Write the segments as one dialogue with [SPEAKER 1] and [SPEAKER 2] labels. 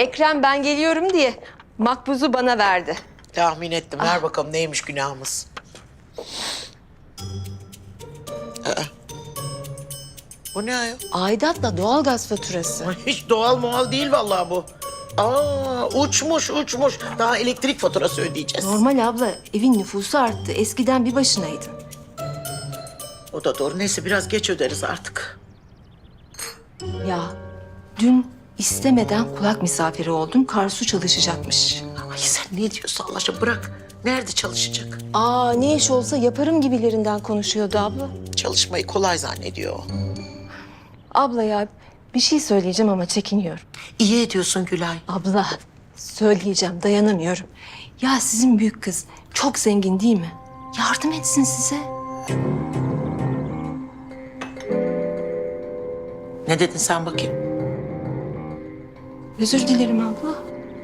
[SPEAKER 1] Ekrem ben geliyorum diye makbuzu bana verdi.
[SPEAKER 2] Tahmin ettim. Ver bakalım neymiş günahımız. Aa. Bu ne ayol?
[SPEAKER 1] Aidatla doğalgaz faturası.
[SPEAKER 2] Hiç doğal muhal değil vallahi bu. Aa, uçmuş. Daha elektrik faturası ödeyeceğiz.
[SPEAKER 1] Normal abla, evin nüfusu arttı. Eskiden bir başınaydın.
[SPEAKER 2] O da doğru. Neyse biraz geç öderiz artık.
[SPEAKER 1] Ya dün istemeden kulak misafiri oldum. Karsu çalışacakmış.
[SPEAKER 2] Ay sen ne diyorsun Allah aşkına bırak. Nerede çalışacak?
[SPEAKER 1] Aa, ne iş olsa yaparım gibilerinden konuşuyordu abla.
[SPEAKER 2] Çalışmayı kolay zannediyor o.
[SPEAKER 1] Abla ya, bir şey söyleyeceğim ama çekiniyorum.
[SPEAKER 2] İyi ediyorsun Gülay.
[SPEAKER 1] Abla, söyleyeceğim, dayanamıyorum. Ya sizin büyük kız çok zengin değil mi? Yardım etsin size.
[SPEAKER 2] Ne dedin sen bakayım?
[SPEAKER 1] Özür dilerim abla.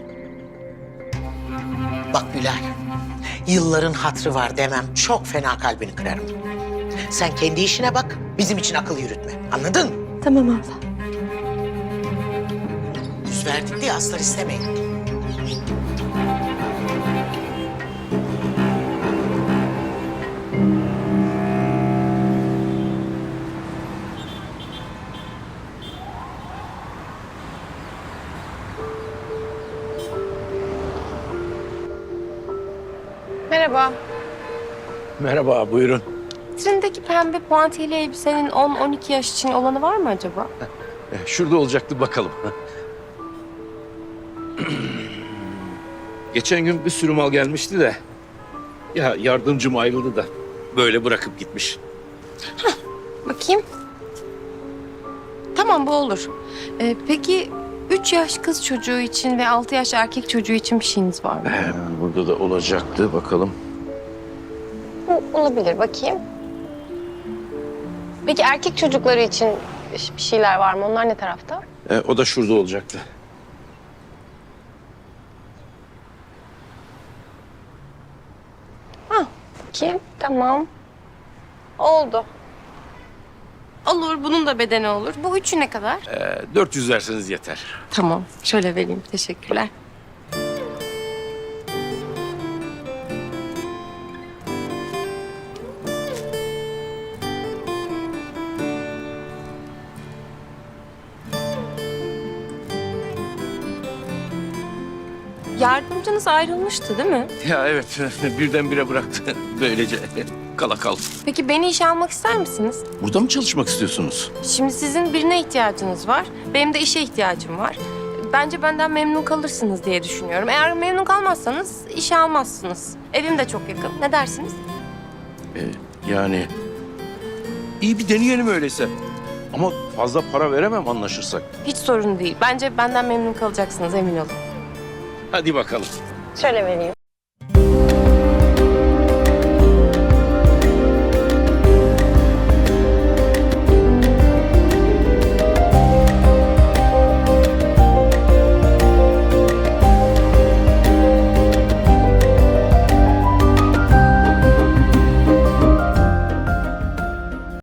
[SPEAKER 2] Bak Gülay, yılların hatrı var demem çok fena kalbini kırarım. Sen kendi işine bak, bizim için akıl yürütme. Anladın mı?
[SPEAKER 1] Tamam abla.
[SPEAKER 2] Yüz verdik diye aslar istemeyin.
[SPEAKER 3] Merhaba.
[SPEAKER 4] Merhaba, buyurun.
[SPEAKER 3] Vitrindeki pembe puantiyeli elbisenin 10-12 yaş için olanı var mı acaba?
[SPEAKER 4] Şurada olacaktı, bakalım. Geçen gün bir sürü mal gelmişti de... ...ya yardımcım ayrıldı da böyle bırakıp gitmiş.
[SPEAKER 3] Bakayım. Tamam, bu olur. Peki 3 yaş kız çocuğu için ve 6 yaş erkek çocuğu için bir şeyiniz var mı?
[SPEAKER 4] Burada da olacaktı, bakalım.
[SPEAKER 3] Olabilir, bakayım. Peki erkek çocukları için bir şeyler var mı? Onlar ne tarafta?
[SPEAKER 4] O da şurada olacaktı.
[SPEAKER 3] Bakayım, tamam. Oldu. Olur, bunun da bedeni olur. Bu üçü ne kadar?
[SPEAKER 4] 400 verseniz yeter.
[SPEAKER 3] Tamam, şöyle vereyim. Teşekkürler. Yardımcınız ayrılmıştı değil mi?
[SPEAKER 4] Ya evet, birdenbire bıraktı. Böylece kala kaldı.
[SPEAKER 3] Peki beni işe almak ister misiniz?
[SPEAKER 4] Burada mı çalışmak istiyorsunuz?
[SPEAKER 3] Şimdi sizin birine ihtiyacınız var. Benim de işe ihtiyacım var. Bence benden memnun kalırsınız diye düşünüyorum. Eğer memnun kalmazsanız işe almazsınız. Evim de çok yakın. Ne dersiniz?
[SPEAKER 4] Yani iyi bir deneyelim öyleyse. Ama fazla para veremem anlaşırsak.
[SPEAKER 3] Hiç sorun değil. Bence benden memnun kalacaksınız, emin olun.
[SPEAKER 4] Hadi bakalım.
[SPEAKER 3] Şöyle vereyim.